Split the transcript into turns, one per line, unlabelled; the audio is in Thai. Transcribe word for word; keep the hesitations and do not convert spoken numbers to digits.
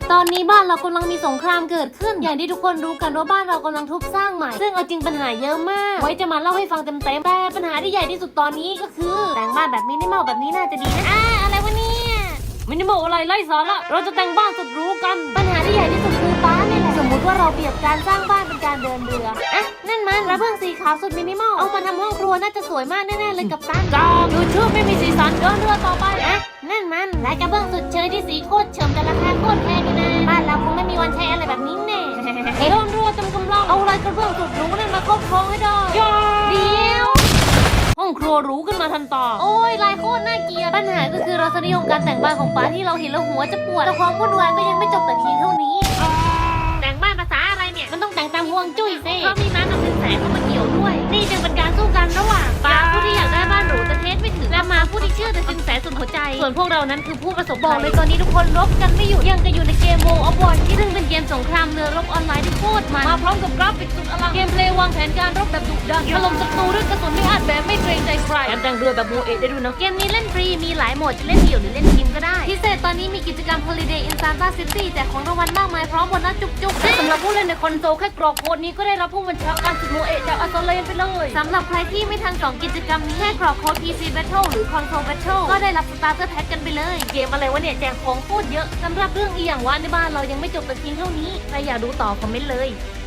ตอนนี้บ้านเรากำลังมีสงครามเกิดขึ้นอย่างที่ทุกคนรู้กันว่าบ้านเรากำลังทุบสร้างใหม่ซึ่งเอาจริงปัญหาเยอะมากไว้จะมาเล่าให้ฟังเต็มๆแต่ปัญหาที่ใหญ่ที่สุดตอนนี้ก็คือแต่งบ้านแบบมินิมอลแบบนี้น่าจะดีนะอ่าอะไรวะเนี่ยมินิมอลอะไรไร้สาระเราจะแต่งบ้านสุดหรูกันปัญหาที่ใหญ่ที่สุดคือบ้านนี่แหละสมมติว่าเราเปรียบการสร้างบ้านเป็นการเดินเรืออ่ะนั่นมันกระเบื้องสีขาวสุดมินิมอลเอามาทำห้องครัวน่าจะสวยมากแน่ๆเลยกับตันจ้าดูชื่อไม่มีสีสันเดินเรือต่อไปอ่ะนั่นมันลายกระเบื้องสุดเชยที่สีโคตรเฉิมแต่ราคาโคตรแพงเลยนะบ้านเราคงไม่มีวันใช้อะไรแบบนี้แน่เดินเรือจำกำลังเอาลายกระเบื้องสุดหรูนั่นมาครอบครองให้ได้เดี๋ยวห้องครัวหรูขึ้นมาทันตาโอ้ยลายโคตรน่าเกลียดปัญหาก็คือรสนิยมการแต่งบ้านของป้าที่เราเห็นแล้วหัวจะปวดแต่ความวุ่นวายก็ยังไม่จบแต่เพียงเท่านี้แต่งบ้านภาษาอะไรเนี่ยมันต้องแต่งตามห่วงจุ้ยสิเพราะมีม้ากับสินแสเข้ามาเกี่ยวด้วยนี่จึงเป็นการสู้กันระหว่างป้าผู้ที่อยากได้บ้านหรูแต่เทสไม่ถึงและม้าผู้ที่เชื่อแต่สินแสสุดหัวใจส่วนพวกเรานั้นคือผู้ประสบภัยบอกเลยตอนนี้ทุกคนรบกันไม่หยุดยังจะอยู่ในเกมโมออฟวอร์ที่ซึ่งเป็นเกมสงครามเรือรบออนไลน์ที่โคตรมันมาพร้อมกับกราฟิกสุดอลังเกมเพลย์วางแผนการรบแบบดุดันถล่มศัตรูด้วยกระสุนไม่อาจแบบไม่เกรงใจใครแถมแต่งเรือแบบโมเอะได้ด้วยนะเกมนี้เล่นฟรีมีหลายโหมดจะเล่นเดี่ยวหรือเล่นทีมก็ได้พิเศษตอนนี้มีกิจกรรม Holiday in Santa City แจกของรางวัลมากมายพร้อมโบนัสจุกๆและสำหรับผู้เล่นในคอนโซลแค่กรอกโค้ดนี้ก็ได้รับผู้บัญชาการสุดโมเอะจากอัสเลนไปเลยสำหรับใครที่ไม่ทันสองกิจกรรมนี้แค่กรอกโค้ด พี ซี Battle หรือ Console Battle ก็ได้รับสตาร์เตอร์แพ็คกันไปเลยเกมอะไรวะเนี่ยแจกของโคตรเยอะสำหรับเรื่องอีหยังว่าในบ้านเรายังไม่จบแต่เพียงเท่านี้ใครอยากดูต่อคอมเมนต์เลย